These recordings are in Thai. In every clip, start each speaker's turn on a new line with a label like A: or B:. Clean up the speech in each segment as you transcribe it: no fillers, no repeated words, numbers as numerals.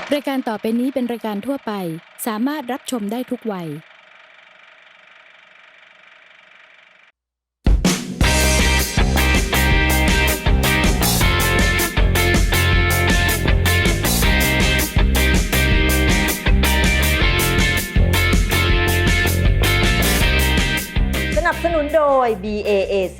A: รายการต่อไปนี้เป็นรายการทั่วไปสามารถรับชมได้ทุกวัย
B: สนับสนุนโดย BAAC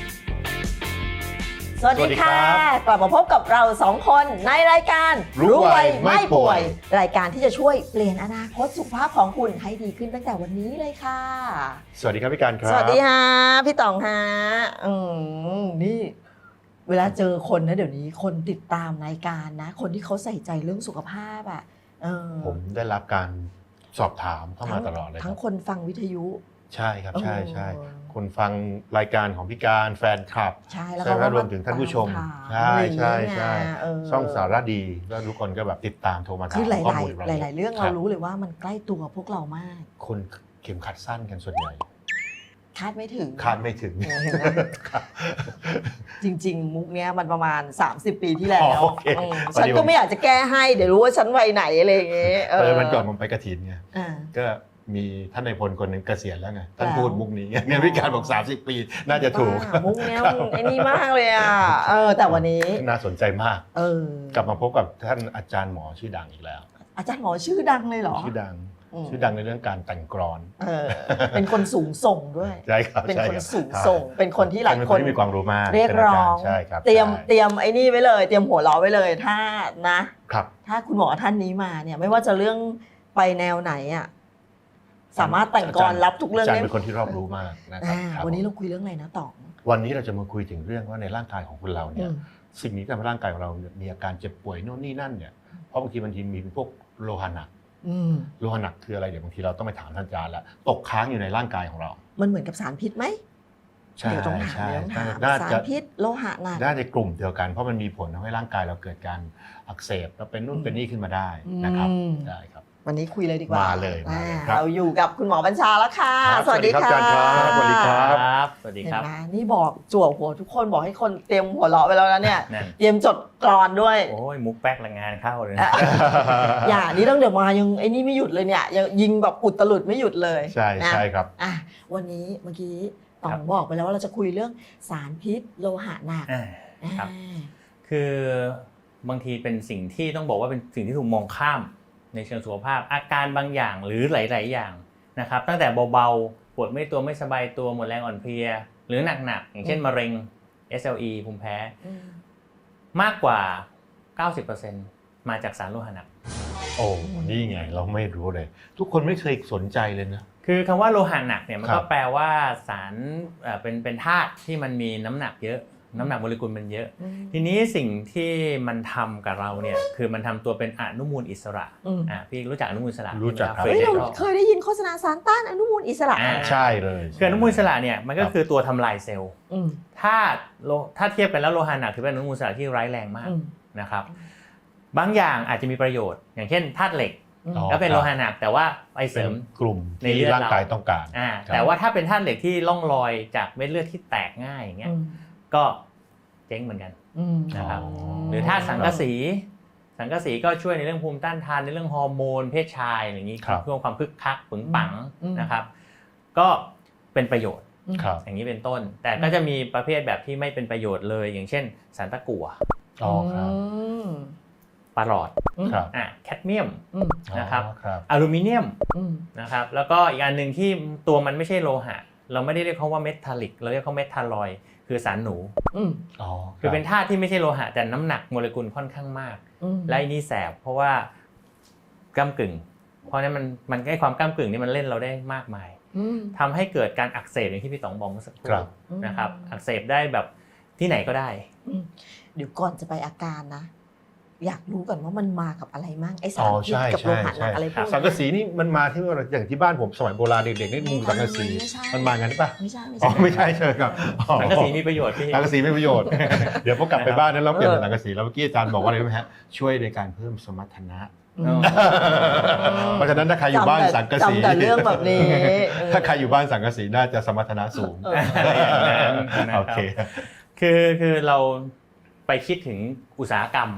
B: สวัสดีค่ะกลับมาพบกับเรา2คนในรายการ
C: รู้ไวไม่ป่วย
B: รายการที่จะช่วยเปลี่ยนอนาคตสุขภาพของคุณให้ดีขึ้นตั้งแต่วันนี้เลยค่ะ
C: สวัสดีครับพี่การครับ
B: สวัสดีฮะพี่ต๋องฮะนี่เวลาเจอคนนะเดี๋ยวนี้คนติดตามรายการนะคนที่เขาใส่ใจเรื่องสุขภาพอ่ะ
C: ผมได้รับการสอบถามเข้ามาตลอดเลย
B: ทั้งคนฟังวิทยุ
C: ใช่ครับใช่คนฟังรายการของพี่การแฟนคลับ
B: ใช่แล้วก็
C: รวมถึงท่านผู้ชมใช่ช่องสารดีแล้วทุกคนก็แบบติดตามโทรมาถามข้อมูล
B: หลายเรื่องเรารู้เลยว่ามันใกล้ตัวพวกเรามาก
C: คนเข็มขัดสั้นกันส่วนใหญ่
B: คาดไม่ถึงจริงๆมุกเนี้ยมันประมาณ30ปีที่แล้วฉันก็ไม่อยากจะแก้ให้เดี๋ยวรู้ว่าฉันวัยไหนอะไรอย่างเงี้ย
C: มันก่อนผมไปกฐินไงก็มีท่านนายพลคนหนึ่งเกษียณแล้วไงท่านพูดมุกนี้ไงเนี่ยพี่การบอก30 ปีน่าจะถูก
B: มุกเนี้ยไอ้นี่มากเลยอ่ะแต่วันนี้
C: น่าสนใจมากกลับมาพบกับท่านอาจารย์หมอชื่อดังอีกแล้ว
B: อาจารย์หมอชื่อดังเลยเหรอ
C: ชื่อดังในเรื่องการแต่งกลอน
B: เป็นคนสูงส่งด้วย
C: ใช่ครับ
B: เป็นคนสูงส่งเป็นคนที่หลายคน
C: มีความรู้มาก
B: เรียกร้อง
C: ใช่ครับ
B: เตรียมไอ้นี่ไว้เลยเตรียมหัวเราะไว้เลยถ้านะครับถ้าคุณหมอท่านนี้มาเนี่ยไม่ว่าจะเรื่องไปแนวไหนอ่ะสามารถแต่งกลรับทุกเรื่อง
C: ได้เป็นคนที่รอบรู้มากนะครับ
B: วันนี้เราคุยเรื่องอะไรนะต๋อง
C: วันนี้เราจะมาคุยถึงเรื่องว่าในร่างกายของคนเราเนี่ยสิ่งนี้ทำให้ร่างกายของเรามีอาการเจ็บป่วยโน่นนี่นั่นเนี่ยเพราะบางทีมีพวกโลหะหนักโลหะหนักคืออะไรเดี๋ยวบางทีเราต้องไปถามท่านอาจารย์แล้วตกค้างอยู่ในร่างกายของเรา
B: มันเหมือนกับสารพิษไหม
C: ใช่
B: ต้องถามสารพิษโลหะหนัก
C: น่าจะกลุ่มเดียวกันเพราะมันมีผลทำให้ร่างกายเราเกิดการอักเสบแล้วเป็นนู่นเป็นนี่ขึ้นมาได้นะครับได้ครับ
B: วันนี้คุยเลยดีกว่า
C: มาเลย
B: เราอยู่กับคุณหมอบัญชาแล้วค่ะสวัสดีค่ะ
C: สวัสดีครับ
D: สวัสดีครับ
B: นี่บอกจั่วหัวทุกคนบอกให้คนเตรียมหัวเราะไปแล้วนะเนี่ยเตรียมจดกลอนด้วย
D: โอ้ยมุกแป๊กละงานเข้าเลย
B: อย่านี่ต้องเดี๋ยวมายังไอ้นี่ไม่หยุดเลยเนี่ยยังยิงแบบอุตลุดไม่หยุดเลย
C: ใช่ครับ
B: วันนี้เมื่อกี้ต๋องบอกไปแล้วว่าเราจะคุยเรื่องสารพิษโลหะหนัก
D: ครับคือบางทีเป็นสิ่งที่ต้องบอกว่าเป็นสิ่งที่ถูกมองข้ามในเชิงสุขภาพอาการบางอย่างหรือหลายๆอย่างนะครับตั้งแต่เบาๆปวดไม่ตัวไม่สบายตัวหมดแรงอ่อนเพลียหรือหนักๆอย่างเช่นมะเร็ง SLE ภูมิแพ้มากกว่า 90% มาจากสารโลหะหนัก
C: โอ้นี่ไงเราไม่รู้เลยทุกคนไม่เคยสนใจเลยนะ
D: คือคำว่าโลหะหนักเนี่ยมันก็แปลว่าสารเป็นธาตุที่มันมีน้ำหนักเยอะน้ำหนักโมเลกุลมันเยอะทีนี้สิ่งที่มันทำกับเราเนี่ยคือมันทำตัวเป็นอนุมูลอิสระพี่รู้จักอนุมูลอิสระ
C: รู้จักครับ
B: เคยได้ยินโฆษณาสารต้านอนุมูลอิสระ
C: ใช่เลย
D: คืออนุมูลอิสระเนี่ยมันก็คือตัวทำลายเซลล์ถ้าเทียบกันแล้วโลหะหนักถือเป็นอนุมูลอิสระที่ร้ายแรงมากนะครับบางอย่างอาจจะมีประโยชน์อย่างเช่นธาตุเหล็กก็เป็นโลหะหนักแต่ว่าไปเสริม
C: กลุ่มในร่างกายต้องการ
D: แต่ว่าถ้าเป็นธาตุเหล็กที่ล่องลอยจากเม็ดเลือดที่แตกง่ายอย่างเงี้ยก็เจ๊งเหมือนกันนะครับหรือธาตุสังกะสีก็ช่วยในเรื่องภูมิต้านทานในเรื่องฮอร์โมนเพศชายอย่างนี้เพื่อความคึกคักปึงปังนะครับก็เป็นประโยชน์อย่างนี้เป็นต้นแต่ก็จะมีประเภทแบบที่ไม่เป็นประโยชน์เลยอย่างเช่นสารตะกั่วปลาหลอดแคดเมียมนะครับอลูมิเนียมนะครับแล้วก็อีกอันนึงที่ตัวมันไม่ใช่โลหะเราไม่ได้เรียกเขาว่าเมทัลลิกเราเรียกเขาเมทัลลอยด์คือสารหนูคือเป็นธาตุที่ไม่ใช่โลหะแต่น้ำหนักโมเลกุลค่อนข้างมากและนี่แสบเพราะว่าก้ำกึ่งเพราะนั้นมันใกล้ความก้ำกึ่งนี่มันเล่นเราได้มากมายทำให้เกิดการอักเสบอย่างที่พี่ต๋องบอกเมื่อสักครู่นะครับอักเสบได้แบบที่ไหนก็ได้
B: เดี๋ยวก่อนจะไปอาการนะอยากรู้ก่อนว่ามันมากับอะไรมั่งไอสารพิษกับโลหะหนักอะไรพวกนี้
C: สังกะสีนี่มันมาที่อย่างที่บ้านผมสมัยโบราณเด็กๆนี่มุงสังกะสีมันมางั้นป่ะ
B: ไม่ใช่
C: ไม่ใช่ใช่ครับ
D: สังกะสีมีประโยชน์พี่
C: สังกะสีมีประโยชน์เดี๋ยวพอกลับไปบ้านนั้นเราเปลี่ยนสังกะสีแล้วเมื่อกี้อาจารย์บอกว่าอะไรรู้ไหมฮะช่วยในการเพิ่มสมรรถนะเพราะฉะนั้นถ้าใครอยู่บ้านสังกะสี
B: แต่เรื่องแบบนี้
C: ถ้าใครอยู่บ้านสังกะสีน่าจะสมรรถนะสูงโอเค
D: คือเราไปคิดถึงอุตสาหกรรม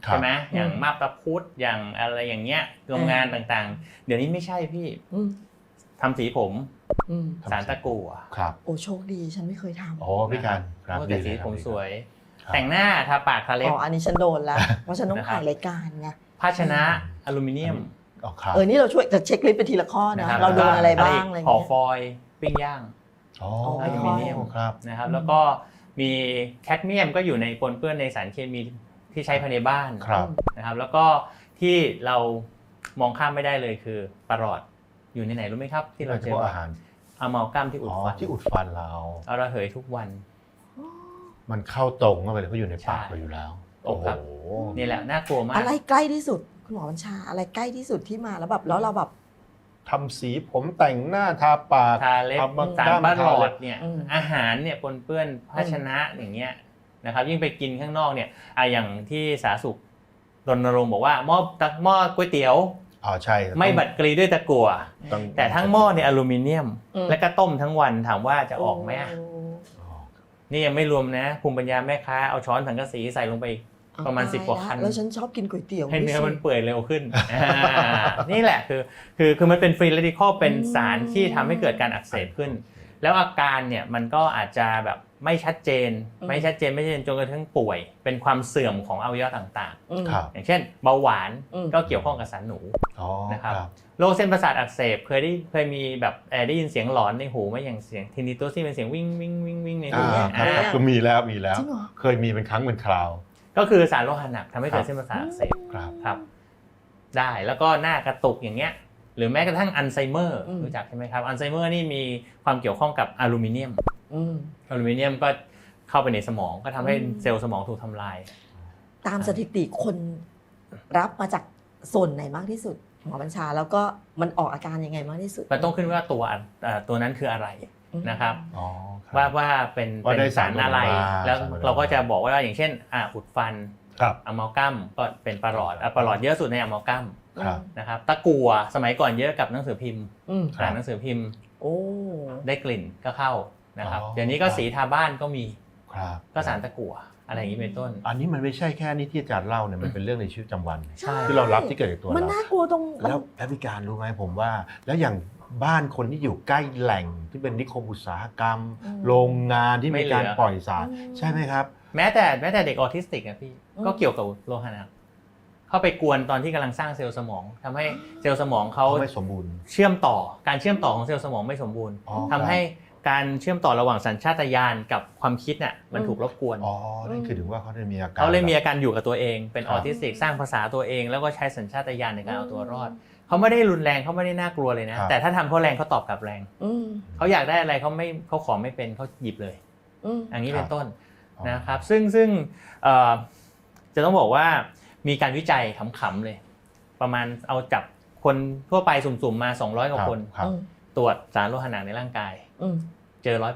D: ใช่ไหมอย่างมาบตาพุธอย่างอะไรอย่างเงี้ยโรงงานต่างๆเดี๋ยวนี้ไม่ใช่พี่ทำสีผมสารตะกั่ว
C: ครับ
B: โอ้โชคดีฉันไม่เคยทำ
C: โอ้พี่การครับ
D: แต่สีผมสวยแต่งหน้าทาปากทาเล็บ
B: อันนี้ฉันโดนแล้วเพราะฉันต้องถ่ายรายการไง
D: ภาชนะอลูมิเนียม
B: นี่เราช่วยจะเช็คลิสต์ไปทีละข้อนะเราโดนอะไรบ้างอะไร
D: ห่อฟอยล์ปิ้งย่างอลูมิเนียมนะครับแล้วก็มีแคดเมียมก็อยู่ในปนเปื้อนในสารเคมีที่ใช้ภายในบ้านนะครับแล้วก็ที่เรามองข้ามไม่ได้เลยคือปลอดอยู่ในไหนรู้ไหมครับที่เราเจอ
C: อาหาร
D: อะมัลกัมที่อุดฟัน
C: เรา
D: เอาระเหยทุกวัน
C: มันเข้าตรงเข้าไปเลยเพราะอยู่ในปากเราอยู่แล้วโอ้โห
D: นี่แหละน่ากลัวมาก
B: อะไรใกล้ที่สุดคุณหมอบัญชาอะไรใกล้ที่สุดที่มาแล้วแบบแล้วเราแบบ
C: ทำสีผมแต่งหน้าทาปาก
D: ทาเล็บสารปลอดเนี่ยอาหารเนี่ยปนเปื้อนภาชนะอย่างเงี้ยนะครับยิ่งไปกินข้างนอกเนี่ยอย่างที่สาธารณสุขรณรงค์บอกว่าหม้อก๋วยเตี๋ยว
C: ใช่
D: ไม่บัดกรีด้วยตะกั่วแต่ทั้งหม้อเนี่ยอลูมิเนียมและก็ต้มทั้งวันถามว่าจะออกไหมนี่ยังไม่รวมนะภูมิปัญญาแม่ค้าเอาช้อนสังกะสีใส่ลงไปประมาณ10 กว่าคัน
B: แล้วฉันชอบกินก๋วยเตี๋ยว
D: ให้เนื้อมันเปื่อยเร็วขึ้นนี่แหละคือมันเป็นฟรีเรดิคอลเป็นสารที่ทำให้เกิดการอักเสบขึ้นแล้วอาการเนี่ยมันก็อาจจะแบบไม่ชัดเจนจนกระทั่งป่วยเป็นความเสื่อมของอวัยวะต่างๆอย่างเช่นเบาหวานก็เกี่ยวข้องกับสารหนูนะครับโรคเส้นประสาทอักเสบเคยมีแบบได้ยินเสียงหลอนในหูไหมอย่างเสียงทินิตัสที่เป็นเสียงวิ่งวิ่งวิ่งวิ่งในหู
C: ก็มีแล้วเคยมีเป็นครั้งเป็นคราว
D: ก็คือสารโลหะหนักทำให้เกิดเส้นประสาทอักเสบครับได้แล้วก็หน้ากระตุกอย่างเงี้ยหรือแม้กระทั่งอัลไซเมอร์รู้จักใช่ไหมครับอัลไซเมอร์นี่มีความเกี่ยวข้องกับอลูมิเนียมก็เข้าไปในสมองก็ทำให้เซลล์สมองถูกทำลาย
B: ตามสถิติคนรับมาจากส่วนไหนมากที่สุดหมอบัญชาแล้วก็มันออกอาการยังไงมากที่สุด
D: มันต้องขึ้นว่าตัวนั้นคืออะไรนะครับว่าเป็นสารอะไรแล้วเราก็จะบอกว่าอย่างเช่นอุดฟันอะมัลกัมก็เป็นปลอดเยอะสุดในอะมัลกัมนะครับตะกั่วสมัยก่อนเยอะกับหนังสือพิมพ์หนังสือพิมพ์ได้กลิ่นก็เข้านะครับเดี๋ยวนี้ก็สีทาบ้านก็มีก็สารตะกั่วอะไรอย่างนี้เป็นต้น
C: อันนี้มันไม่ใช่แค่นี้ที่อาจารย์เล่าเนี่ยมันเป็นเรื่องในชีวิตประจำวันที่เรารับที่เกิดจากตัวเรา
B: มันน่ากลัวตรง
C: แล้วพิการรู้ไหมผมว่าแล้วอย่างบ้านคนที่อยู่ใกล้แหล่งที่เป็นนิคมอุตสาหกรรมโรงงานที่มีการปล่อยสารใช่ไหมครับ
D: แม้แต่เด็กออทิสติกอะพี่ก็เกี่ยวกับโลหะหนักเข้าไปกวนตอนที่กำลังสร้างเซลล์สมองทำให้เซลล์สมองเขา
C: ไม่สมบูรณ์
D: การเชื่อมต่อของเซลล์สมองไม่สมบูรณ์ทำให้การเชื่อมต่อระหว่างสัญชาตญาณกับความคิดน่ะมันถูกรบกวน
C: นั่นคือถึงว่าเขาเลยมีอา
D: การอยู่กับตัวเองเป็นออทิสติกสร้างภาษาตัวเองแล้วก็ใช้สัญชาตญาณในการเอาตัวรอดเขาไม่ได้รุนแรงเขาไม่ได้น่ากลัวเลยนะแต่ถ้าทำเขาแรงเขาตอบกลับแรงเขาอยากได้อะไรเขาขอไม่เป็นเขาหยิบเลยอย่างนี้เป็นต้นนะครับซึ่งจะต้องบอกว่ามีการวิจัยขำๆเลยประมาณเอาจับคนทั่วไปสุ่มๆมา200 กว่าคนตรวจสารโลหะหนักในร่างกายเจอ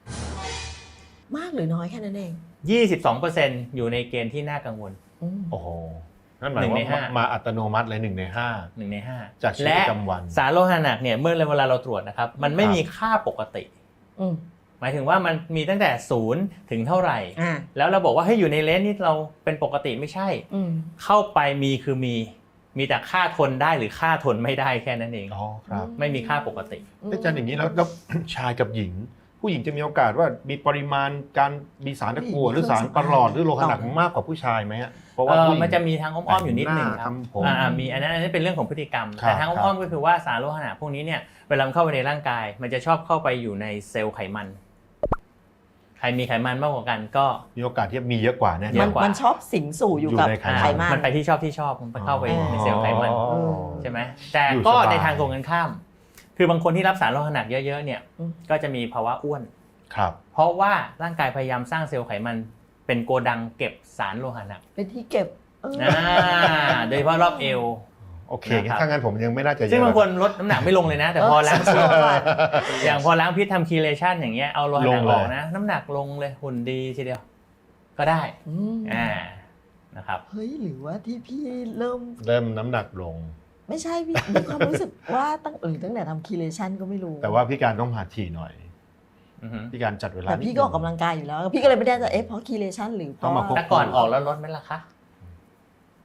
D: 100%
B: มากหรือน้อยแค่นั้นเอง
D: 22% อยู่ในเกณฑ์ที่น่ากังวล
C: โอ้โหนั่นหมายว่ามาอัตโนมัติเลย1 ใน 5จากชีวิตประจำวัน
D: สารโลหะหนักเนี่ยเมื่อเวลาเราตรวจนะครับมันไม่มีค่าปกติหมายถึงว่ามันมีตั้งแต่0ถึงเท่าไหร่แล้วเราบอกว่าให้อยู่ในเลนส์นี้เราเป็นปกติไม่ใช่เข้าไปคือมีแต่ค่าทนได้หรือค่าทนไม่ได้แค่นั้นเองไม่มีค่าปกติ
C: อาจารย์อย่างนี้แล้วชายกับหญิงผู้หญิงจะมีโอกาสว่ามีปริมาณการมีสารตะกั่วหรือสารประหลอดหรือโลหะหนักมากกว่าผู้ชายไหมฮะเพราะว่า
D: มันจะมีทางอ้อมๆอยู่นิดนึงครับมีอันนั้นเป็นเรื่องของพฤติกรรมแต่ทางอ้อมๆก็คือว่าสารโลหะหนักพวกนี้เนี่ยเวลาเข้าไปในร่างกายมันจะชอบเข้าไปอยู่ในเซลล์ไขมันใครมีไขมันมากกว่ากันก็
C: มีโอกาสที่มีเยอะกว่าแน่
B: ๆมันชอบสิงสู่อยู่กับไขมัน
D: มันไปที่ชอบมันไปเข้าไปในเซลล์ไขมันใช่ไหมแต่ก็ในทางตรงกันข้ามคือบางคนที่รับสารโลหะหนักเยอะๆเนี่ยก็จะมีภาวะอ้วนเพราะว่าร่างกายพยายามสร้างเซลล์ไขมันเป็นโกดังเก็บสารโลหะหนัก
B: เป็นที่เก็บ
D: โดยเฉพาะรอบเอว
C: โอเคถ้างั้นผมยังไม่น่าจะ
D: ซึ่งบางคนลดน้ำหนักไม่ลงเลยนะแต่พอล้างพิษอย่างพอล้างพิษทำคีเลชั่นอย่างเงี้ยเอาโลหะหนักออกนะน้ำหนักลงเลยหุ่นดีทีเดียวก็ได้นะครับ
B: เฮ้ยหรือว่าที่พี่เริ่ม
C: น้ำหนักลง
B: ไม่ใช่พี่มีความรู้สึกว่าตั้งแต่ทำคีเลชั่นก็ไม่รู้
C: แต่ว่าพี่การต้องหาทีหน่อยพี่การจัดเวลา
B: แต่พี่ก็ออกกำลังกายอยู่แล้วพี่ก็เลยไม่ได้จะเพราะคีเลชั่นหรือเพราะ
D: แต่ก่อนออกแล้วลดไหมล่ะคะ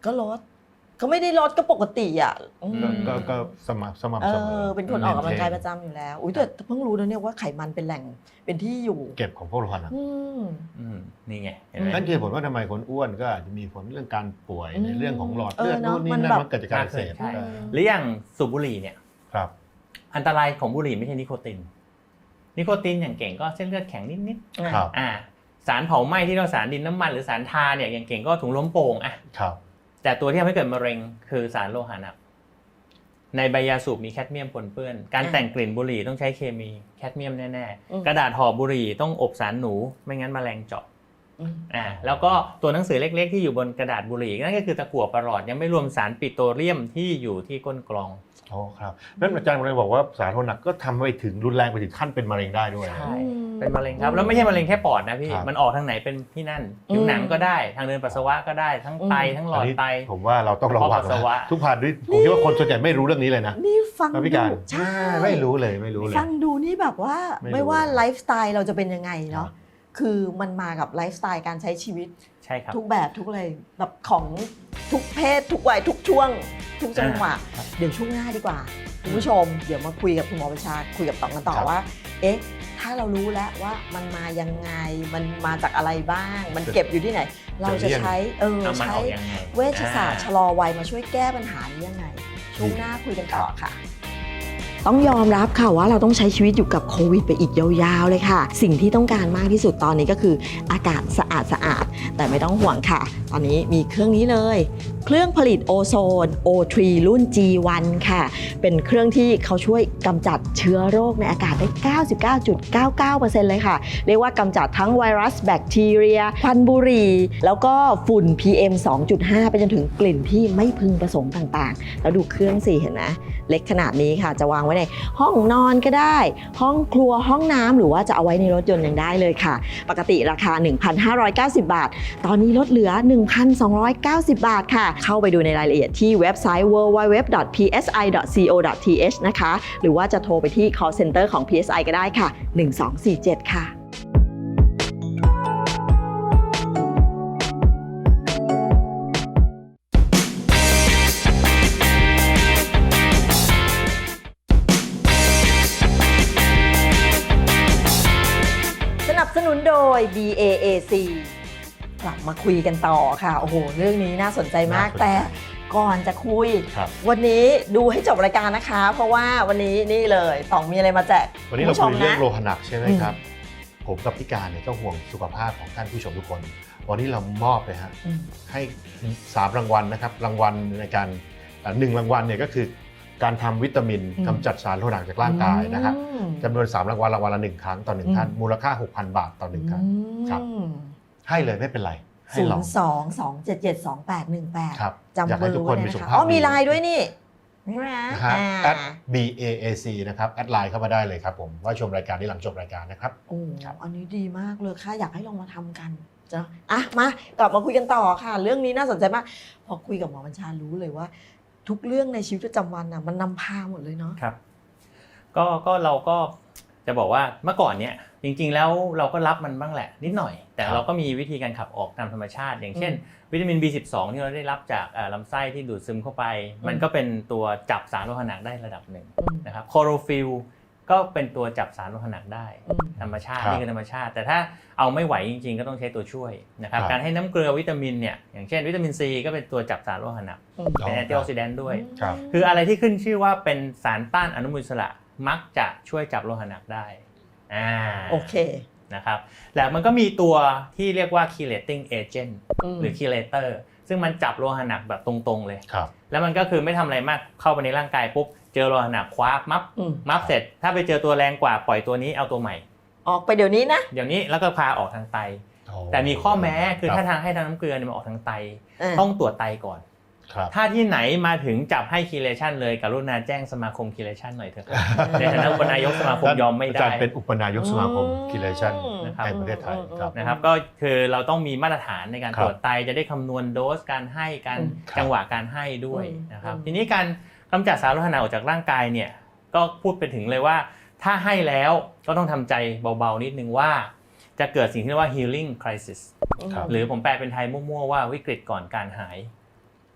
B: ก็ลดก็ไม่ได้ลดก็ปกติอ่ะ
C: ก็สม่ำเสมอ
B: เป็นคนออกกำลังกายประจำอยู่แล้วอุ้ยแต่เพิ่งรู้นะเนี่ยว่าไขมันเป็นแหล่งเป็นที่อยู่
C: เก็บของพวกโลหะหนัก
D: นี่ไงเห็นไหม
C: นั่นคือผลว่าทำไมคนอ้วนก็อาจจะมีผลเรื่องการป่วยในเรื่องของหลอดเลือดนู่นนี่นั่นมันเกิดจากการอักเสบ
D: หรืออย่างสูบบุหรี่เนี่ย
C: ครับ
D: อันตรายของบุหรี่ไม่ใช่นิโคตินอย่างเก่งก็เส้นเลือดแข็งนิดๆสารเผาไหม้ที่เราสารดินน้ำมันหรือสารทาเนี่ยอย่างเก่งก็ถุงลมโป่งแต่ตัวที่ทำให้เกิดมะเร็งคือสารโลหะหนักในใบยาสูบมีแคดเมียมปนเปื้อนการแต่งกลิ่นบุหรี่ต้องใช้เคมีแคดเมียมแน่ๆกระดาษห่อบุหรี่ต้องอบสารหนูไม่งั้นแมลงเจาะแล้วก็ตัวหนังสือเล็กๆที่อยู่บนกระดาษบุหรี่นั่นก็คือตะกั่วประหลอดยังไม่รวมสารปิโตรเลียมที่อยู่ที่ก้นกรอง
C: อ๋อครับนั่นอาจารย์เลยบอกว่าสารโลหะหนักก็ทำไปถึงรุนแรงไปถึงขั้นเป็นมะเร็งได้ด้วย
D: ใช่เป็นมะเร็งครับแล้วไม่ใช่มะเร็งแค่ปอดนะพี่มันออกทางไหนเป็นที่นั่นผิวหนังก็ได้ทางเดินปัสสาวะก็ได้ทั้งไตทั้งหลอดไต
C: ผมว่าเราต้องระวังทุกผ่านด้วยผมคิดว่าคนส่วนใหญ่ไม่รู้เรื่องนี้เลยนะ
B: นี่ฟัง
C: ดูใช่ไม่รู้เลย
B: ฟังดูนี่แบบว่าไม่ว่าไลฟ์สไตล์เราจะเป็นยังไงเนาะคือมันมากับไลฟ์สไตล์การใช้ชีวิต
D: ใช่ครับ
B: ทุกแบบทุกอะไรแบบของทุกเพศทุกวัยทุกช่วงทุกจังหวะเดี๋ยวช่วงหน้าดีกว่าคุณผู้ชมเดี๋ยวมาคุยกับคุณหมอประชาคุยกับต๋องกันต่อว่าถ้าเรารู้แล้วว่ามันมายังไงมันมาจากอะไรบ้างมันเก็บอยู่ที่ไหนเราจะใช้เวชศาสตร์ชะลอวัยมาช่วยแก้ปัญหานี้ยังไงช่วงหน้าคุยกันต่อค่ะต้องยอมรับค่ะว่าเราต้องใช้ชีวิตอยู่กับโควิดไปอีกยาวๆเลยค่ะสิ่งที่ต้องการมากที่สุดตอนนี้ก็คืออากาศสะอาดแต่ไม่ต้องห่วงค่ะตอนนี้มีเครื่องนี้เลยเครื่องผลิตโอโซน O3 รุ่น G1 ค่ะเป็นเครื่องที่เขาช่วยกำจัดเชื้อโรคในอากาศได้ 99.99% เลยค่ะเรียกว่ากำจัดทั้งไวรัสแบคทีเรียควันบุหรี่แล้วก็ฝุ่น PM 2.5 ไปจนถึงกลิ่นที่ไม่พึงประสงค์ต่างๆแล้วดูเครื่องสิเห็นไหมเล็กขนาดนี้ค่ะจะวางไว้ในห้องนอนก็ได้ห้องครัวห้องน้ำหรือว่าจะเอาไว้ในรถยนต์ยังได้เลยค่ะปกติราคา 1,590 บาทตอนนี้ลดเหลือ 1,290 บาทค่ะเข้าไปดูในรายละเอียดที่เว็บไซต์ www.psi.co.th นะคะหรือว่าจะโทรไปที่ call center ของ PSI ก็ได้ค่ะ1247ค่ะสนุนโดย BAAC กลับมาคุยกันต่อค่ะโอ้โหเรื่องนี้น่าสนใจมากแต่ก่อนจะคุยวันนี้ดูให้จบรายการนะคะเพราะว่าวันนี้นี่เลยต๋องมีอะไรมาแจก
C: วันนี้เราคุยเรื่องโลหะหนักใช่ไหมครับผมกับพี่การเนี่ยก็ห่วงสุขภาพของท่านผู้ชมทุกคนวันนี้เรามอบเลยฮะให้3รางวัลนะครับรางวัลในการ1รางวัลเนี่ยก็คือการทำวิตามินกำจัดสารโลหะหนักจากร่างกายนะครับจำนวน3รางวัลรางวัลละ1ครั้งต่อ1ท่านมูลค่า 6,000 บาทต่อ1ครั้งครับให้เลยไม่เป็นไรให้ลอง
B: 02-277-2818
C: ครับ
B: จำเบอร์
C: ไว้เลยนะคะ
B: มีไลน์ด้วยนี่
C: @BAAC นะครับแอดไลน์เข้ามาได้เลยครับผมว่าชมรายการที่หลังจบรายการนะครับ
B: โอ้อันนี้ดีมากเลยค่ะอยากให้ลองมาทำกันจ้ะมากลับมาคุยกันต่อค่ะเรื่องนี้น่าสนใจมากพอคุยกับหมอบัญชารู้เลยว่าทุกเรื่องในชีวิตประจำวันมันนำพาหมดเลยเนาะ
D: ครับก็เราก็จะบอกว่าเมื่อก่อนเนี่ยจริงๆแล้วเราก็รับมันบ้างแหละนิดหน่อยแต่เราก็มีวิธีการขับออกตามธรรมชาติอย่างเช่นวิตามิน B12 ที่เราได้รับจากลำไส้ที่ดูดซึมเข้าไปมันก็เป็นตัวจับสารโลหะหนักได้ระดับหนึ่งนะครับคลอโรฟิลก็เป็นตัวจับสารโลหะหนักได้ธรรมชาตินี่คือธรรมชาติแต่ถ้าเอาไม่ไหวจริงๆก็ต้องใช้ตัวช่วยนะครับการให้น้ำเกลือวิตามินเนี่ยอย่างเช่นวิตามินซีก็เป็นตัวจับสารโลหะหนักเป็นแอนตี้ออกซิแดนต์ด้วยคืออะไรที่ขึ้นชื่อว่าเป็นสารต้านอนุมูลอิสระมักจะช่วยจับโลหะหนักได้
B: โอเค
D: นะครับแล้วมันก็มีตัวที่เรียกว่า chelating agent หรือ chelator ซึ่งมันจับโลหะหนักแบบตรงๆเลยแล้วมันก็คือไม่ทำอะไรมากเข้าไปในร่างกายปุ๊บเจอโลหะหนักคว้ามับเสร็จถ้าไปเจอตัวแรงกว่าปล่อยตัวนี้เอาตัวใหม่
B: ออกไปเดี๋ยวนี้นะ
D: เดี๋ยวนี้แล้วก็พาออกทางไตแต่มีข้อแม้คือถ้าทางให้ทางน้ำเกลือมันออกทางไตต้องตรวจไตก่อนถ้าที่ไหนมาถึงจับให้คีเลชันเลยกรุณาแจ้งสมาคมคีเลชันหน่อยเถอะในฐานะอุปนายกสมาคมยอมไม่ได้
C: อาจารย์เป็นอุปนายกสมาคมคีเลชันในประเทศไทย
D: นะครับก็คือเราต้องมีมาตรฐานในการตรวจไตจะได้คำนวณโดสการให้การจังหวะการให้ด้วยนะครับทีนี้การกำจัดสารโลหะหนักออกจากร่างกายเนี่ยก็พูดไปถึงเลยว่าถ้าให้แล้วก็ต้องทำใจเบาๆนิดนึงว่าจะเกิดสิ่งที่เรียกว่า healing crisis หรือผมแปลเป็นไทยมั่วๆว่าวิกฤตก่อนการหาย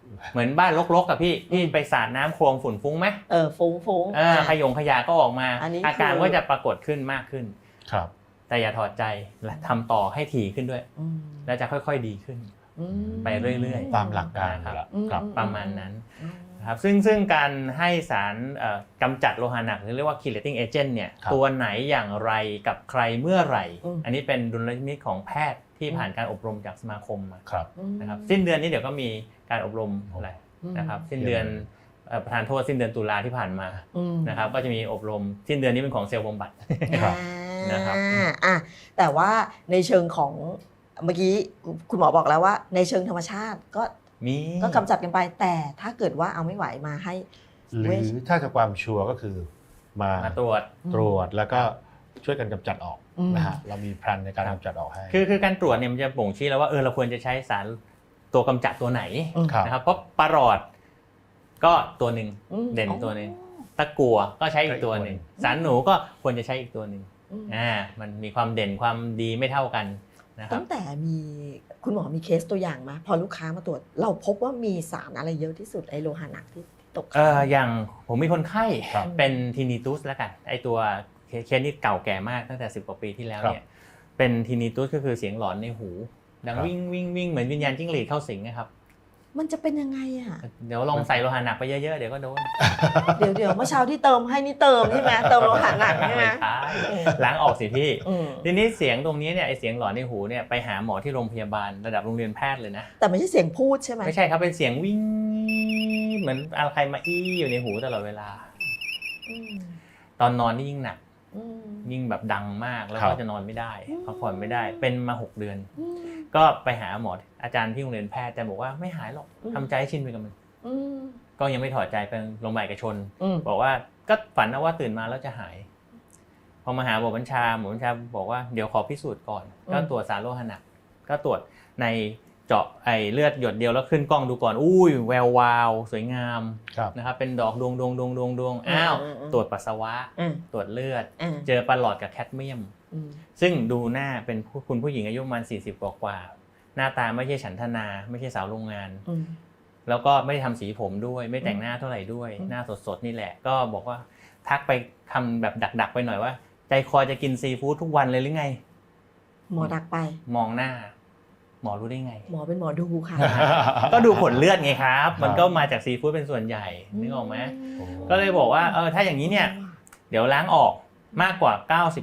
D: เหมือนบ้านรกๆกับพี่ไปสาดน้ำโคลนฝุ่นฟุ้งไหม
B: ฟุ้ง
D: ขยะก็ออกมาอาการก็จะปรากฏขึ้นมากขึ้น
C: ครับ
D: แต่อย่าถอดใจและทำต่อให้ถี่ขึ้นด้วยแล้วจะค่อยๆดีขึ้นไปเรื่อย
C: ๆตามหลักการ
D: ครับประมาณนั้นครับซึ่งการให้สารกำจัดโลหะหนักหรือเรียกว่า chelating agent เนี่ยตัวไหนอย่างไรกับใครเมื่อไหร่อันนี้เป็นดุลยพินิจของแพทย์ที่ผ่านการอบรมจากสมาคมมานะครับสิ้นเดือนนี้เดี๋ยวก็มีการอบรมอะไรนะครับสิ้นเดือนประธานโทษสิ้นเดือนตุลาที่ผ่านมานะครับก็จะมีอบรมสิ้นเดือนนี้เป็นของเซลล์บำบัดนะครับ
B: แต่ว่าในเชิงของเมื่อกี้คุณหมอบอกแล้วว่าในเชิงธรรมชาติก็กำจัดกันไปแต่ถ้าเกิดว่าเอาไม่ไหวมาให้
C: หรือถ้าจะความชัวร์ก็คือมา
D: ตรว
C: จแล้วก็ช่วยกันกำจัดออกนะฮะเรามีแผนในการกำจัดออกให้
D: คือการตรวจเนี่ยมันจะบ่งชี้แล้วว่าเราควรจะใช้สารตัวกำจัดตัวไหนนะครับเพราะปลาหลอดก็ตัวหนึ่งเด่นตัวนึงตะกั่วก็ใช้อีกตัวหนึ่งสารหนูก็ควรจะใช้อีกตัวหนึ่งมันมีความเด่นความดีไม่เท่ากันนะครับ
B: ตั้งแต่มีคุณหมอมีเคสตัวอย่างมาพอลูกค้ามาตรวจเราพบว่ามีสารอะไรเยอะที่สุดไอโลหะหนักที่ตก
D: อย่างผมมีคนไข้เป็นทินิตุสแล้วกันไอตัวเคสนี้เก่าแก่มากตั้งแต่10 กว่าปีที่แล้วเนี่ยเป็นทินิตุสก็คือเสียงหลอนในหูดังวิ่งเหมือนวิญญาณจิ้งหรีดเข้าสิงนะครับ
B: มันจะเป็นยังไง
D: เดี๋ยวลองใส่โลหะหนักไปเยอะๆเดี๋ยวก็โดน
B: เดี๋ยวเมื่อเช้าที่เติมให้นี่เติมใช่ไหมเติมโลหะหนักใช่ไหม
D: ล้างออกสิพี่ทีนี้เสียงตรงนี้เนี่ยไอเสียงหลอนในหูเนี่ยไปหาหมอที่โรงพยาบาลระดับโรงเรียนแพทย์เลยนะ
B: แต่ไม่ใช่เสียงพูดใช่ไหม
D: ไม่ใช่ครับเป็นเสียงวิ่งเหมือนอะไรใครมาอี้อยู่ในหูตลอดเวลาตอนนอนนี่ยิ่งหนักยิ่งแบบดังมากแล้วก็จะนอนไม่ได้พักผ่อนไม่ได้เป็นมา6 เดือนก็ไปหาหมออาจารย์ที่โรงเรียนแพทย์แต่บอกว่าไม่หายหรอกทำใจให้ชินไปกับมันก็ยังไม่ถอดใจเป็นโรงพยาบาลเอกชนบอกว่าก็ฝันว่าตื่นมาแล้วจะหายพอมาหาหมอบัญชาบอกว่าเดี๋ยวขอพิสูจน์ก่อนก็ตรวจสารโลหะหนักก็ตรวจในเจาะไอเลือดหยดเดียวแล้วขึ้นกล้องดูก่อนอุ้ยแวววาวสวยงามนะครับเป็นดอกดวงอ้าวตรวจปัสสาวะตรวจเลือดเจอปลาหลอดกับแคดเมียมซึ่งดูหน้าเป็นคุณผู้หญิงอายุประมาณ40 กว่าหน้าตาไม่ใช่ฉันทนาไม่ใช่สาวโรงงานแล้วก็ไม่ได้ทำสีผมด้วยไม่แต่งหน้าเท่าไหร่ด้วยหน้าสดๆนี่แหละก็บอกว่าทักไปทำแบบดักไปหน่อยว่าใจคอจะกินซีฟู้ดทุกวันเลยหรือไง
B: หมอดักไป
D: มองหน้าหมอรู้ได้ไง
B: หมอเป็นหมอดูค่ะ
D: ก็ดูผลเลือดไงครับมันก็มาจากซีฟู้ดเป็นส่วนใหญ่นึกออกไหมก็เลยบอกว่าถ้าอย่างนี้เนี่ยเดี๋ยวล้างออกมากกว่า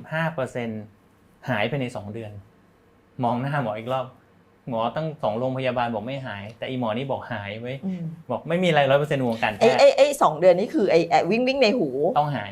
D: 95% หายภายใน2 เดือนมองหน้าหมออีกรอบหมอตั้ง2 โรงพยาบาลบอกไม่หายแต่อีหมอนี่บอกหายไว้บอกไม่มีอะไร 100% วงการแพทย์
B: ไอ้2 เดือนนี้คือไอ้วิ่งในหู
D: ต้องหาย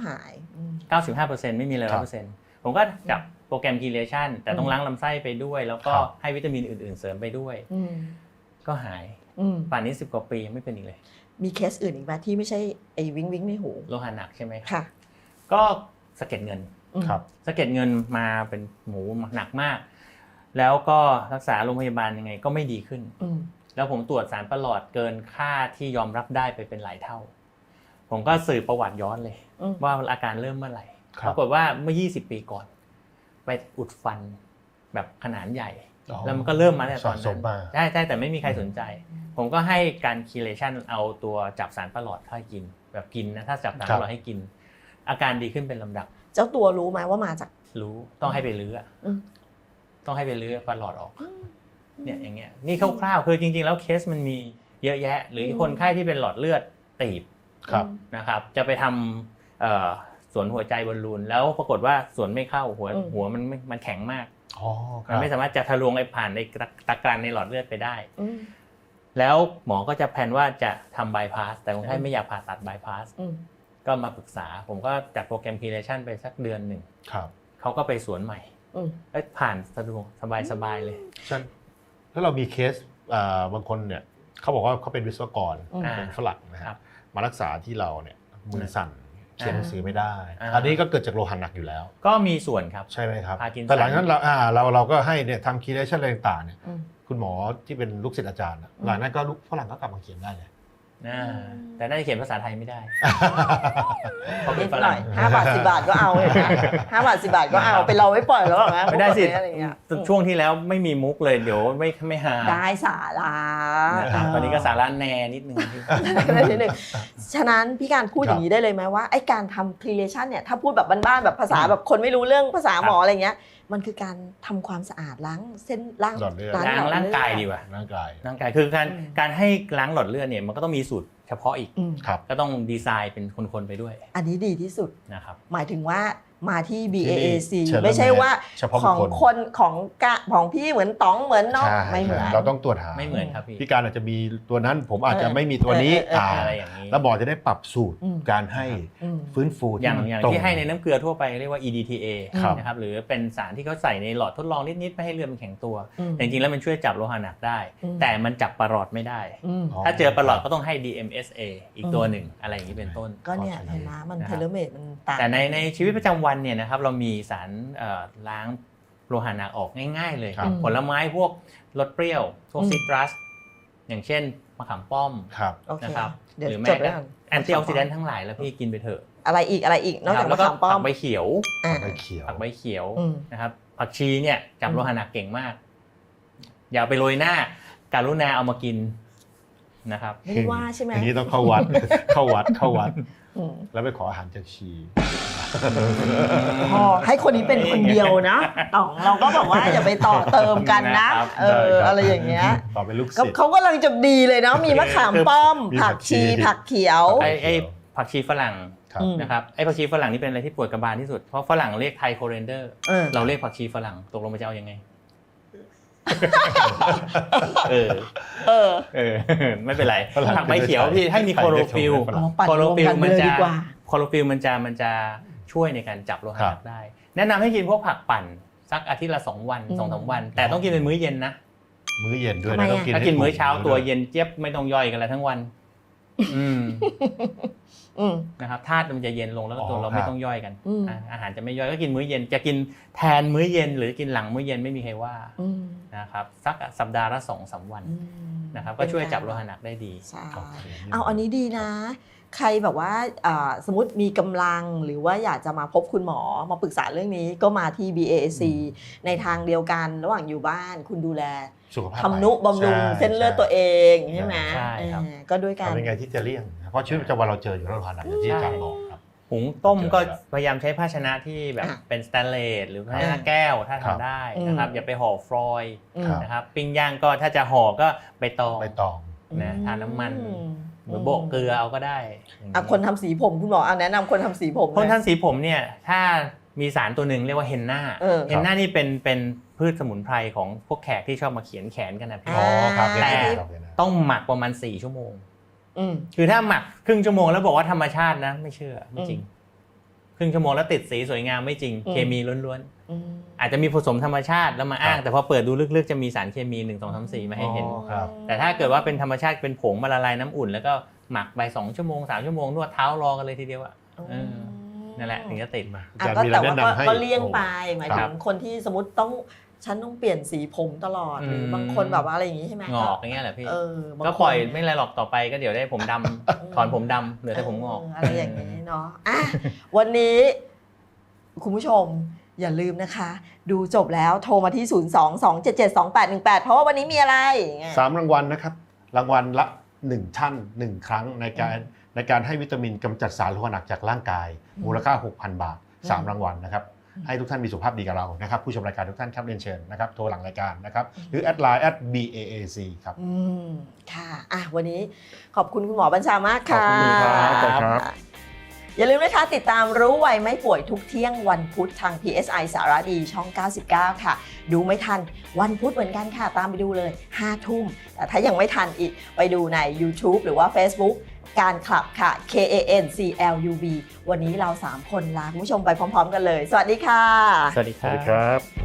D: 95% ไม่มีอะไร 100% ผมก็จับโปรแกรมคีเลชันแต่ต้องล้างลำไส้ไปด้วยแล้วก็ให้วิตามินอื่นๆเสริมไปด้วยก็หายป่านนี้10 กว่าปีไม่เป็นอีกเลย
B: มีเคสอื่นอีกไหมที่ไม่ใช่ไอ้วิ่งในหู
D: โลหะหนักใช่ไหม
B: ค่ะ
D: ก็สะเก็ดเงินสะเก็ดเงินมาเป็นหมูหนักมากแล้วก็รักษาโรงพยาบาลยังไงก็ไม่ดีขึ้นแล้วผมตรวจสารประหลอดเกินค่าที่ยอมรับได้ไปเป็นหลายเท่าผมก็สืบประวัติย้อนเลยว่าอาการเริ่มเมื่อไหร่ปรากฏว่าเมื่อ20 ปีก่อนไปอุดฟันแบบขนาดใหญ่แล้วมันก็เริ่มมาแต่ตอนนั้นใช่แต่ไม่มีใครสนใจผมก็ให้การคีเลชันเอาตัวจับสารประหลอดเข้ากินแบบกินนะถ้าจับสารประหลอดให้กินอาการดีขึ้นเป็นลำดับ
B: เจ้าตัวรู้ไหมว่ามาจาก
D: รู้ต้องให้ไปลื้อต้องให้ไปลื้อประหลอดออกเนี่ยอย่างเงี้ยนี่คร่าวๆคือจริงๆแล้วเคสมันมีเยอะแยะหรือคนไข้ที่เป็นหลอดเลือดตีบนะครับจะไปทำสวนหัวใจบอลลูนแล้วปรากฏว่าสวนไม่เข้าหัวมันแข็งมากมันไม่สามารถจะทะลวงไอ้ผ่านในตะกรันในหลอดเลือดไปได้แล้วหมอก็จะแพลนว่าจะทำบายพาสแต่คนไข้ไม่อยากผ่าตัดบายพาสก็มาปรึกษาผมก็จัดโปรแกรมคีเลชันไปสักเดือนหนึ่งเขาก็ไปสวนใหม่ผ่านสะดวกสบายเลย
C: แล้วเรามีเคสบางคนเนี่ยเขาบอกว่าเขาเป็นวิศวกรเป็นฝรั่งนะครับมารักษาที่เราเนี่ยมือสั่นเขียนหนังสือไม่ได้อันนี้ก็เกิดจากโลหะหนักอยู่แล้ว
D: ก็มีส่วนครับ
C: ใช่ไหมครับแต่หลังจากนั้นเราก็ให้เนี่ยทำคีเลชันอะไรต่างๆเนี่ยคุณหมอที่เป็นลูกศิษย์อาจารย์หลังนั้นก็ฝรั่งก็กลับมาเขียนได้เลย
D: แต่น่าจะเขียนภาษาไทยไม่ได้เพราะเป็
B: นิ
D: น
B: ด
D: ฝ
B: หน่
D: รั่
B: อง ย5 บาท 10 บาทก็เอาเห็นไหม5 บาท 10 บาทก็เอาเป็นเราไม่ปล่อยแล้วหรอกนะ
D: ไม่ได้สิ
B: อะไรอย่างเงี้ย
D: ช่วงที่แล้วไม่มีมุกเลยเดี๋ยวไม่หา
B: ได้สาระ
D: นะครับตอนนี้ก็สาระแน่นิดนึงพี่
B: นิดนึงฉะนั้นพี่การพูดอย่างนี้ได้เลยไหมว่าไอ้การทำ chelation เนี่ยถ้าพูดแบบบ้านๆแบบภาษาแบบคนไม่รู้เรื่องภาษาหมออะไรเงี้ยมันคือการทำความสะอาดล้างเส้นล้าง
C: หลอดเลือด
D: ล้างร่างกายดีกว่า
C: ร่างกาย
D: ร่างกายคือการให้ล้างหลอดเลือดเนี่ยมันก็ต้องมีสูตรเฉพาะอีก
C: ครับ
D: ก็ต้องดีไซน์เป็นคนๆไปด้วย
B: อันนี้ดีที่สุด
D: นะครับ
B: หมายถึงว่ามาที่ BAAC
C: เชิญ
B: ไม่ใช่ว่า
C: เฉพาะ
B: ของ
C: บุคคล
B: คนของพี่เหมือนต๋องเหมือนน้อง
C: ใช่
B: ไม่เหมือน
C: เราต้องตรวจหา
D: ไม่เหมือนครับพี่
C: พี่การอาจจะมีตัวนั้นผมอาจจะไม่มีตัวนี้
D: อะไรอย่างนี้
C: แล้วหมอจะได้ปรับสูตร
B: อืม
C: การให้
B: อืม
C: ฟื้นฟู
D: อย่าง
C: มัน
D: อย่าง
C: ตรง
D: ที่ให้ในน้ำเกลือทั่วไปเรียกว่า EDTA
C: ครับ
D: นะครับหรือเป็นสารที่เขาใส่ในหลอดทดลองนิดๆไม่ให้เลือดมันแข็งตัว
B: อืม
D: แต่จริงๆแล้วมันช่วยจับโลหะหนักได้
B: อืม
D: แต่มันจับประหลอดไม่ได้
B: อืม
D: ถ้าเจอประหลอดก็ต้องให้ DMSA อีกตัวหนึ่งอะไรอย่างนี้เป็นต้น
B: ก็เนี่ยเห็นไหมมันเทเลเมตมันต่าง
D: แต่ในชีวิตประจำวันเนี่ยนะครับเรามีสารล้างโลหะหนักออกง่ายๆเลย
C: ครับ
D: ผลไม้พวกรสเปรี้ยวพวก
B: อืม
D: ซิตรัสอย่างเช่นมะขามป้อม
C: ครับ
B: โอเค
D: นะครับ
B: เดี๋ยว
D: หรือ
B: จ
D: แม้
B: ดไว้
D: แต่
B: ก่อน
D: แอนตี้ออกซิแดนต์ทั้งหลายแล้วพี่กินไปเถอะ
B: อะไรอีกนอกจาก
D: แล้
B: มะ
D: วก็
B: ขามป้อ
D: ผั
B: ม
D: กใบเขียว
B: อ่า
C: ใบเขียว
D: ผักใบเขียว
B: อืม
D: นะครับผักชีเนี่ยจับโลหะหนักเก่งมาก อย่าไปโรยหน้าการุณาเอามากินนะครับ
B: ไม่ได้ว่าใช่ไหม
C: อันนี้ต้องเข้าวัด เข้าวัด
B: อืม
C: แล้วไปขออาหารจากชี
B: พอให้คนนี้เป็นคนเดียวนะต่องเราก็แบบว่าอย่าไปต่อเติมกันนะ
D: นะครับ
B: อะไรอย่างเงี้ย
C: ต่อเป็นลูก
B: ก็
C: ศิษย์
B: เขากำลังจะดีเลยเนาะมีมะขามป้อม
C: มีผั
B: ผั
C: ก
B: ก
C: ชี
B: ชีผักเขียว
D: ไอ้ผักชีฝรั่ง
C: ครับ
B: อืม
D: นะครับไอ้ผักชีฝรั่งนี่เป็นอะไรที่ปวดกระบาลที่สุดเพราะฝรั่งเรียกไทโคเรนเดอร์
B: เออ
D: เราเรียกผักชีฝรั่งตกลงมันจะเอายังไงเออ
B: เออ
D: ไม่เป็นไร
C: ฝรั่ง
D: ผักใบเขียวพี่ให้มี
C: ใคร
D: โคโร
C: เรียก
D: ฟิล
C: ฝรั่ง
B: ปั่น
D: โคโร
B: รวม
D: ฟิล
B: กันไป
D: มัน
B: เลย
D: จะ
B: ดีกว่า
D: โคโรฟิลมันจะช่วยในการจับโลหะหนักได้ แนะนำให้กินพวกผักปั่นสักอาทิตย์ละ2 วัน 2-3 วัน แต่ต้องกินเป็นมื้อเย็นนะ
C: มื้อเย็นด้วย
B: ทำไม
C: นะ
B: อะ
C: ต้องกิน
D: ถ้า
C: ให้
D: กินมื้อ
C: ถู
D: เช้าตัวเย็นเจี๊ยบไม่ต้องย่อยกันแล้วทั้งวัน อืม
B: อืม
D: นะครับธาตุมันจะเย็นลงแล้วก็ตัวเราไม่ต้องย่อยกัน
B: อืม
D: อาหารจะไม่ย่อยก็กินมื้อเย็นจะกินแทนมื้อเย็นหรือกินหลังมื้อเย็นไม่มีใครว่า
B: อืม
D: นะครับสักสัปดาห์ละ2-3 วัน
B: อืม
D: นะครับก็ช่วยจับโลหะหนักได้ดี
B: ใช่
C: โอเค
B: เอาอันนี้ดีนะ ใครแบบว่าสมมติมีกำลังหรือว่าอยากจะมาพบคุณหมอมาปรึกษาเรื่องนี้ก็มาที่ BAC ในทางเดียวกันระหว่างอยู่บ้านคุณดูแล
C: สุขภาพ
B: ทำนุบำรุง
C: ใช่
B: เส้นเลือดตัวเองใช่ไหม
D: ใช่ครับ
B: ก็ด้วยกัน
C: ทำยังไงที่จะเลี่ยงนะเพราะชีวิตประจำวันเราเจออยู่แล้วโลหะหนักอย่างที่อาจารย์บอกครับ
D: หุงต้มก็พยายามใช้ภาชนะที่แบบ
B: อ่ะ
D: เป็นสแตนเลสหรือภาชนะแก้วถ้า
C: ครับ
D: ทำได้นะครับ
B: อืม
D: อย่าไปห่อฟรอยล์
B: อืม
C: ครับ
D: นะครับปิ้งย่างก็ถ้าจะห่อก็ใบตอง
C: ใบตอง
D: นะทาน้ำมัน
B: อืม
D: หรือโบกเกลือเอาก็ได้อย่าง
B: อ่ะคนทำสีผมคุณหมอแนะนำคนทำสีผม
D: คน
B: หอย
D: ท่านสีผมเนี่ยถ้ามีสารตัวหนึ่งเรียกว่าเฮนน่า
B: เออ
D: เฮนน่านี่เป็นพืชสมุนไพรของพวกแขกที่ชอบมาเขียนแขนกันนะพี่
C: อ๋อครับ
D: แต่
C: ครับ
D: ต้องหมักประมาณ4 ชั่วโมง
B: อืม
D: คือถ้าหมักครึ่งชั่วโมงแล้วบอกว่าธรรมชาตินะไม่เชื่อไม่จริง ครึ่งชั่วโมงแล้วติดสีสวยงามไม่จริง
B: อืม
D: เคมีล้วน
B: อืม
D: ๆอาจจะมีผสมธรรมชาติแล้วมาอ้าง แต่พอเปิดดูลึกๆจะมีสารเคมี1 2 3 4มาให้เห็น
C: อ๋อครับ
D: แต่ถ้าเกิดว่าเป็นธรรมชาติเป็นผงมาละลายน้ำอุ่น แล้วก็หมักไป2 ชั่วโมง3 ชั่วโมงนวดเท้ารอกันเลยทีเดียวอะเออนั่นแหละถึงจะติดมา
B: อ่ะ
C: อาจารย์
B: ก็
C: มีอะไร
B: แต่ว่า
C: แนะนำให้
B: ก็เลี่ยงไปหมาย
C: ค
B: ถึ
C: รั
B: ง
C: บ
B: คนที่สมมติฉันต้องเปลี่ยนสีผมตลอดหรือ
D: ม
B: บางคนแบบว่าอะไรอย่างนี้ใช่ไหม
D: งอกอย่างเงี้ยแหละพี่
B: บาง
D: ก็
B: คน
D: ปล่อยไม่ไรหรอกต่อไปก็เดี๋ยวได้ผมดำถอนผมดำเหลือแต่ผมงอก
B: อะไรอย่างนี้เนาะอ่ะวันนี้คุณผู้ชมอย่าลืมนะคะ ดูจบแล้วโทรมาที่ 022772818 เพราะว่าวันนี้มีอะไรอย่างเงี้ย
C: 3 รางวัลนะครับ รางวัลละ 1 ท่าน 1 ครั้งในการให้วิตามินกำจัดสารโลหะหนักจากร่างกาย มูลค่า 6,000 บาท 3 รางวัลนะครับ ให้ทุกท่านมีสุขภาพดีกับเรานะครับผู้ชมรายการทุกท่านครับเรียนเชิญนะครับโทรหลังรายการนะครับหรือแอดไลน์ @BAAC ครับ
B: ค่ะอ่ะ วันนี้ขอบคุณคุณหมอบัญชามากค่ะ
C: ขอบคุณครับ
B: อย่าลืมนะคะติดตามรู้ไวไม่ป่วยทุกเที่ยงวันพุธทาง PSI สารดีช่อง 99 ค่ะ ดูไม่ทันวันพุธเหมือนกันค่ะ ตามไปดูเลย 5 ทุ่ม แต่ถ้ายังไม่ทันอีกไปดูใน YouTube หรือว่า Facebook การคลับค่ะ KANCLUB วันนี้เรา 3 คนลาคุณผู้ชมไปพร้อมๆกันเลย สวัสดีค่ะ
D: สวัสดีค
C: สวัส
D: รั
C: ดี
D: บ
C: ครับ